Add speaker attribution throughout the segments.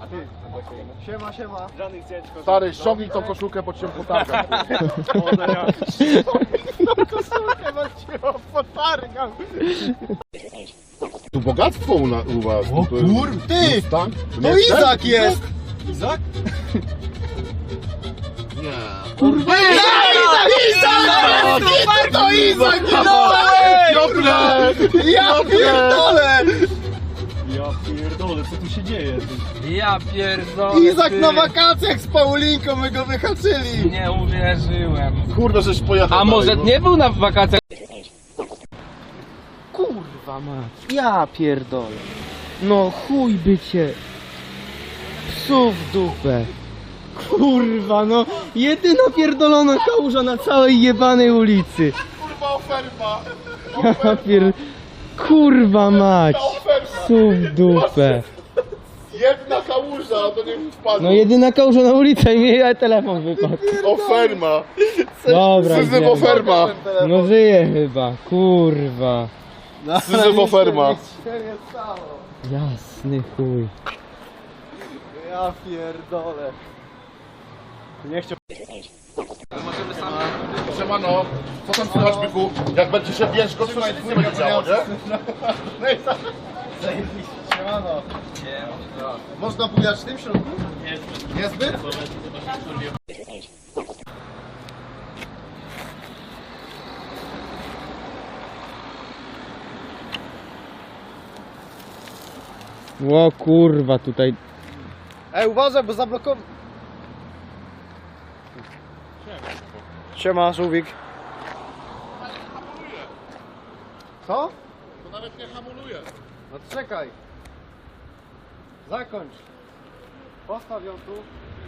Speaker 1: Siema, siema.
Speaker 2: Stary, ściągnij tą koszulkę, bo cię potargam.
Speaker 1: Tą koszulkę, bo cię potargam.
Speaker 2: Tu bogactwo u was.
Speaker 1: O kur... Ty!
Speaker 2: Tak?
Speaker 1: To Izak jest! Izak?
Speaker 2: Nie.
Speaker 1: Kurwa! Izak! To Izak! Ja pierdolę!
Speaker 3: Ja pierdolę, co tu się dzieje?
Speaker 4: Ja pierdolę.
Speaker 1: Izak
Speaker 4: ty.
Speaker 1: na wakacjach z Paulinką, my go wyhaczyli!
Speaker 4: Nie uwierzyłem.
Speaker 2: Kurde, żeś pojechał.
Speaker 4: A może
Speaker 2: dalej,
Speaker 4: nie był na wakacjach? Kurwa mać. Ja pierdolę. No chuj by cię. Psu w dupę. Kurwa no. Jedyna pierdolona kałuża na całej jebanej ulicy.
Speaker 2: Kurwa, oferma.
Speaker 4: Ja pier... Kurwa mać. Psu w dupę.
Speaker 2: Jedna kałuża, to nie wpadło.
Speaker 4: No jedyna kałuża na ulicy i mi telefon wypadł.
Speaker 2: Oferma.
Speaker 4: Dobra,
Speaker 2: Syzyf
Speaker 4: idziemy.
Speaker 2: oferma.
Speaker 4: No żyje chyba, kurwa.
Speaker 2: Syzyf oferma.
Speaker 4: Jasny chuj.
Speaker 1: Ja pierdolę. Nie chciał...
Speaker 2: Siemano, co tam słychać, byku? Jak będzie się ciężko, to się nic nie będzie działo, nie?
Speaker 1: Siemano. Można bujać w tym środku? Niezbyt?
Speaker 4: O kurwa tutaj.
Speaker 1: Ej, uważaj, bo zablokował. Siema, żółwik. Co?
Speaker 2: To nawet nie hamuluje.
Speaker 1: No czekaj. Zakończ. Postaw ją tu.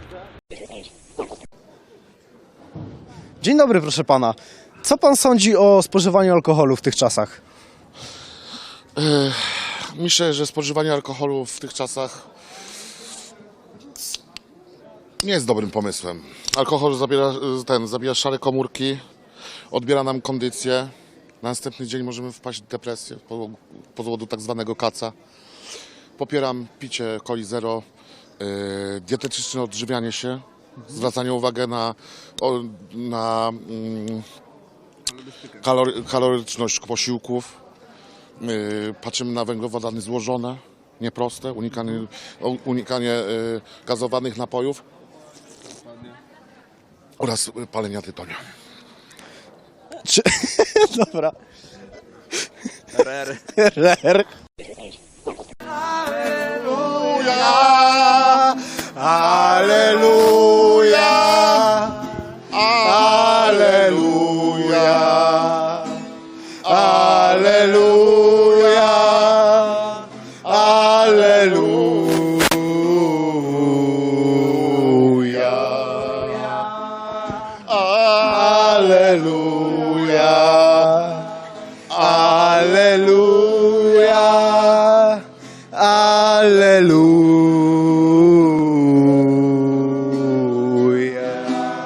Speaker 1: Dzień dobry, proszę pana. Co pan sądzi o spożywaniu alkoholu w tych czasach?
Speaker 2: Myślę, że spożywanie alkoholu w tych czasach nie jest dobrym pomysłem. Alkohol zabija szare komórki, odbiera nam kondycję. Na następny dzień możemy wpaść w depresję z powodu tak zwanego kaca. Popieram picie coli zero, dietetyczne odżywianie się, zwracanie uwagi na kaloryczność posiłków. Patrzymy na węglowodany złożone, nieproste, unikanie gazowanych napojów oraz palenia tytonia.
Speaker 1: Dobra. RR. Aleluja! Aleluja! Aleluja! Aleluja! Aleluja! Aleluja! Aleluja!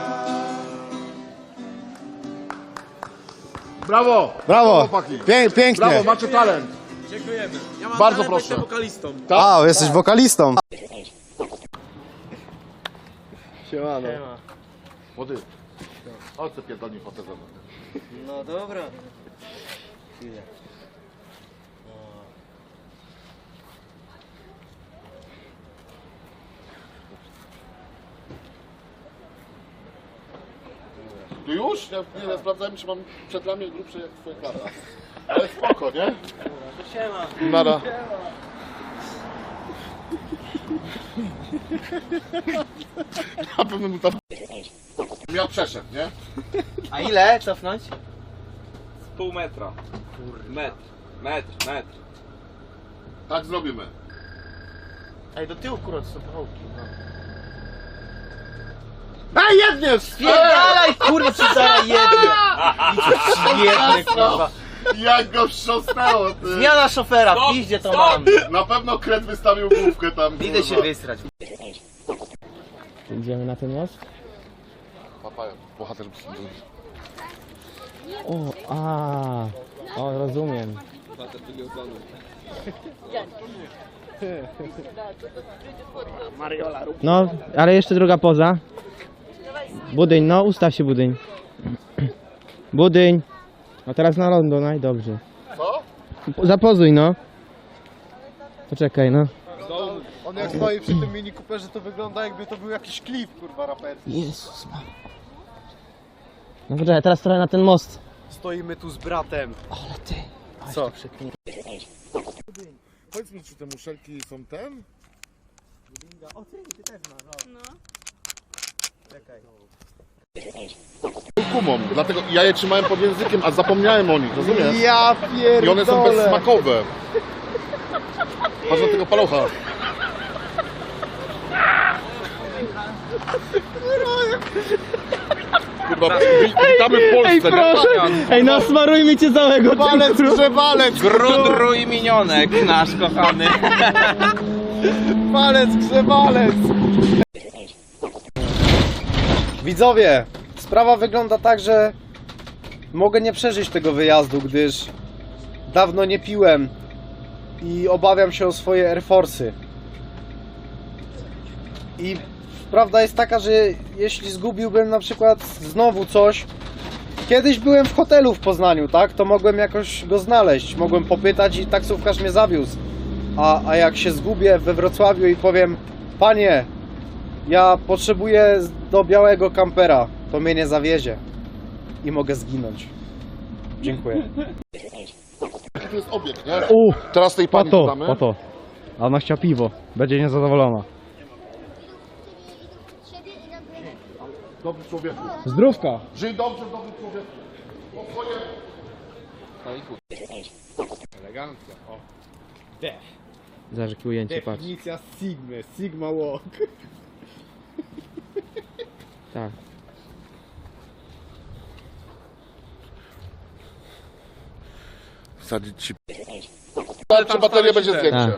Speaker 2: Brawo!
Speaker 1: Brawo!
Speaker 2: Chłopaki!
Speaker 1: Pięknie!
Speaker 2: Brawo, macie talent!
Speaker 3: Dziękujemy. Ja mam
Speaker 2: Bardzo
Speaker 3: talent
Speaker 2: proszę.
Speaker 3: być wokalistą.
Speaker 1: A, jesteś wokalistą. Siemano.
Speaker 2: Młody, chodź sobie pierdolnij fotę ze mną.
Speaker 1: No dobra.
Speaker 2: Tu już? Ja nie sprawdzałem, czy mam przedramię grubsze jak twoje klata. Ale spoko, nie?
Speaker 3: Siema.
Speaker 2: Nara. Na pewno mi tam... Ja przeszedł, nie?
Speaker 1: A ile cofnąć?
Speaker 4: Pół metra. Metr.
Speaker 2: Tak zrobimy.
Speaker 1: Ej, do tyłu kurwa, to są pochołki.
Speaker 2: Ej, jedniesz!
Speaker 1: Spierdalaj kurwa, czy zaraz jednie, kurwa.
Speaker 2: Jak go wstrząsnęło, ty!
Speaker 1: Zmiana szofera, w piździe to mam.
Speaker 2: Na pewno kret wystawił główkę tam.
Speaker 1: Idę się wysrać.
Speaker 4: Idziemy na ten most?
Speaker 2: Papaja, bohater.
Speaker 4: O, rozumiem. No, ale jeszcze druga poza. Budyń, no ustaw się budyń. Budyń. A teraz na lądu, no i dobrze.
Speaker 2: Co?
Speaker 4: Zapozuj, no. Poczekaj, no.
Speaker 1: On jak stoi przy tym Mini Cooperze, to wygląda jakby to był jakiś klip, kurwa, raperski.
Speaker 4: Jezus Maria. No poczekaj, teraz trochę na ten most.
Speaker 1: Stoimy tu z bratem.
Speaker 4: Ale ty.
Speaker 1: Co?
Speaker 2: Powiedz mi, czy te muszelki są ten?
Speaker 1: O ty też masz, no. Czekaj.
Speaker 2: Kumą, dlatego ja je trzymałem pod językiem, a zapomniałem o nich, rozumiesz?
Speaker 1: Ja pierdolę.
Speaker 2: I one są bezsmakowe. Patrz na tego palucha. Kurwa, witamy w Polsce, nie?
Speaker 4: Ej, nasmarujmy cię całego.
Speaker 1: Walec, grzewalec.
Speaker 3: Grudru i minionek nasz kochany.
Speaker 1: Walec, grzewalec. Widzowie, sprawa wygląda tak, że mogę nie przeżyć tego wyjazdu, gdyż dawno nie piłem i obawiam się o swoje Air Force'y. I prawda jest taka, że jeśli zgubiłbym na przykład znowu coś, kiedyś byłem w hotelu w Poznaniu, tak, to mogłem jakoś go znaleźć, mogłem popytać i taksówkarz mnie zawiózł. A jak się zgubię we Wrocławiu i powiem: panie, ja potrzebuję do białego kampera, to mnie nie zawiezie i mogę zginąć. Dziękuję.
Speaker 2: To jest obiekt, nie?
Speaker 5: U,
Speaker 2: Teraz tej pani
Speaker 5: pato,
Speaker 2: dodamy.
Speaker 5: pato. A ona chciała piwo. Będzie niezadowolona.
Speaker 2: Dobry człowieku.
Speaker 5: Zdrówka.
Speaker 2: Żyj dobrze, dobry człowieku.
Speaker 1: Elegancja. O.
Speaker 4: Zobacz, jakie ujęcie, patrz.
Speaker 1: Definicja Sigmy, Sigma Walk.
Speaker 4: Tak.
Speaker 2: Wsadzić ci... Czy bateria będzie większa?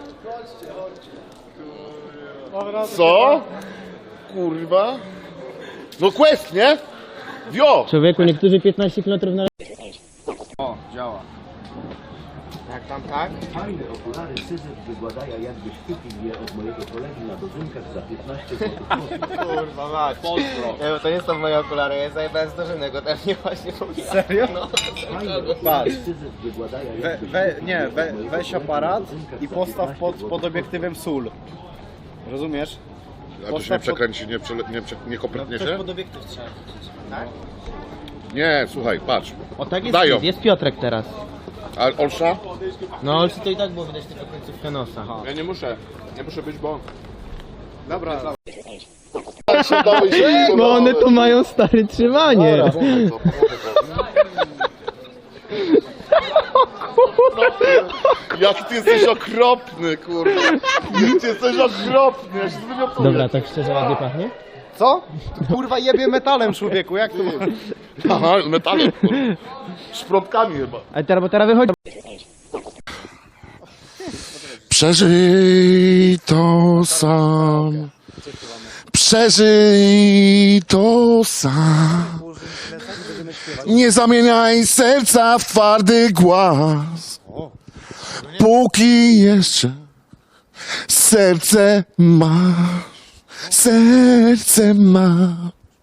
Speaker 2: Co? Kurwa. No quest, nie? Wio!
Speaker 4: Człowieku, niektórzy 15 km na...
Speaker 3: O, działa.
Speaker 4: Jak tam, tak?
Speaker 6: Fajne okulary Syzyf wygładaja, jakbyś kupił je od mojego kolegi na dożynkach za 15 zł.
Speaker 4: Kurwa mać. Nie, bo to nie są moje okulary, ja zajebałem z dożynek, ode mnie właśnie mówiła.
Speaker 1: Serio?
Speaker 6: Fajne
Speaker 1: Patrz.
Speaker 6: okulary Syzyf wygładaja, jakbyś
Speaker 1: Weź aparat i postaw pod obiektywem sól. Rozumiesz?
Speaker 2: A to się nie przekręci, nie kopytnie się?
Speaker 4: pod obiektyw trzeba. Tak?
Speaker 2: Nie, słuchaj, patrz.
Speaker 4: O tak jest,
Speaker 2: Dają.
Speaker 4: jest Piotrek teraz.
Speaker 2: A Olsza?
Speaker 4: No ale to i tak było widać tylko końcówkę nosa.
Speaker 3: Ja nie muszę być, bo...
Speaker 1: Dobra.
Speaker 4: No one tu mają stare trzymanie.
Speaker 2: Jaki ty jesteś okropny, kurwa. Jaki ty jesteś okropny, ja się zwymiotuję.
Speaker 4: Dobra, tak szczerze ładnie pachnie?
Speaker 1: Co? Tu, kurwa jebie metalem, człowieku, jak to ma?
Speaker 2: Aha, metalem, kurwa. Szprotkami chyba.
Speaker 4: Bo teraz wychodzi.
Speaker 2: Przeżyj to sam. Przeżyj to sam. Nie zamieniaj serca w twardy głaz. Póki jeszcze serce ma. Serce ma.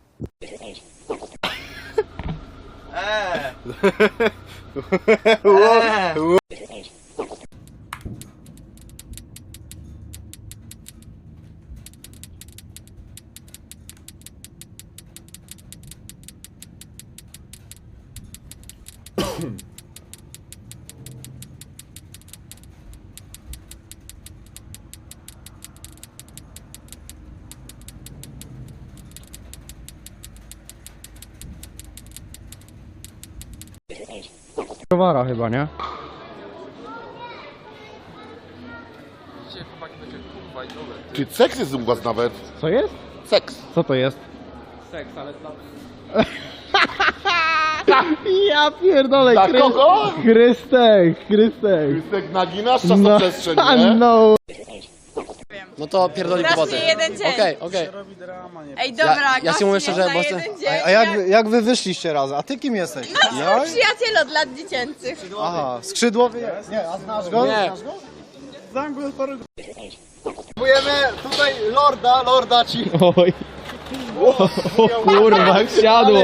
Speaker 5: Browara chyba, nie?
Speaker 2: Ty, seks jest u was nawet.
Speaker 5: Co jest?
Speaker 2: Seks.
Speaker 5: Co to jest?
Speaker 3: Seks, ale dla...
Speaker 5: Ja pierdolę,
Speaker 2: Dla kogo?
Speaker 5: Chrystek.
Speaker 2: Krystek, naginasz czasoprzestrzeń, nie?
Speaker 5: No.
Speaker 1: No to pierdoli
Speaker 7: Strasznie jeden dzień.
Speaker 1: Okej.
Speaker 7: Ej, dobra,
Speaker 1: ja ci mówię
Speaker 7: gościu
Speaker 1: szczerze,
Speaker 7: na
Speaker 1: bo
Speaker 7: jeden dzień.
Speaker 1: A jak wy wyszliście razem? A ty kim jesteś? Ja?
Speaker 7: Przyjaciel od lat dziecięcych.
Speaker 1: Aha, skrzydłowy jest? Nie, a znasz go? Nie. Znasz go? Znam go Kupujemy tutaj lorda ci.
Speaker 5: Oj. O kurwa, jak siadło.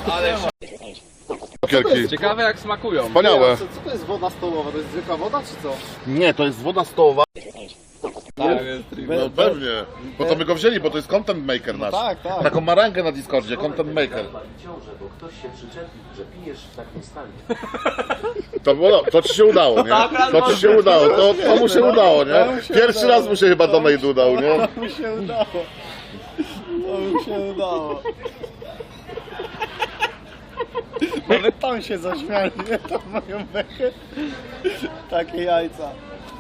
Speaker 2: Cukierki.
Speaker 3: Ciekawe jak smakują.
Speaker 2: Wspaniałe.
Speaker 1: Co to jest woda stołowa? To jest zwykła woda czy co?
Speaker 2: Nie, to jest woda stołowa.
Speaker 3: Tak.
Speaker 2: No pewnie. Po to my go wzięli, bo to jest content maker nasz.
Speaker 1: tak.
Speaker 2: Taką ma rangę na Discordzie, content maker.
Speaker 6: ciążę, bo ktoś się przyczepił, że pijesz w takim stanie.
Speaker 2: To ci się udało, nie? To ci się udało, to mu się udało, nie? Pierwszy raz mu się chyba donate udał, nie?
Speaker 1: To mi się udało. Nawet tam się zaśmiali, nie? Tam moją bekę. Takie jajca.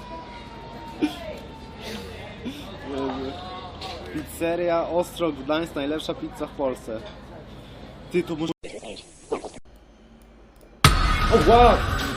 Speaker 1: Pizzeria Ostrog Gdańsk, najlepsza pizza w Polsce. Ty, to może... O, wow!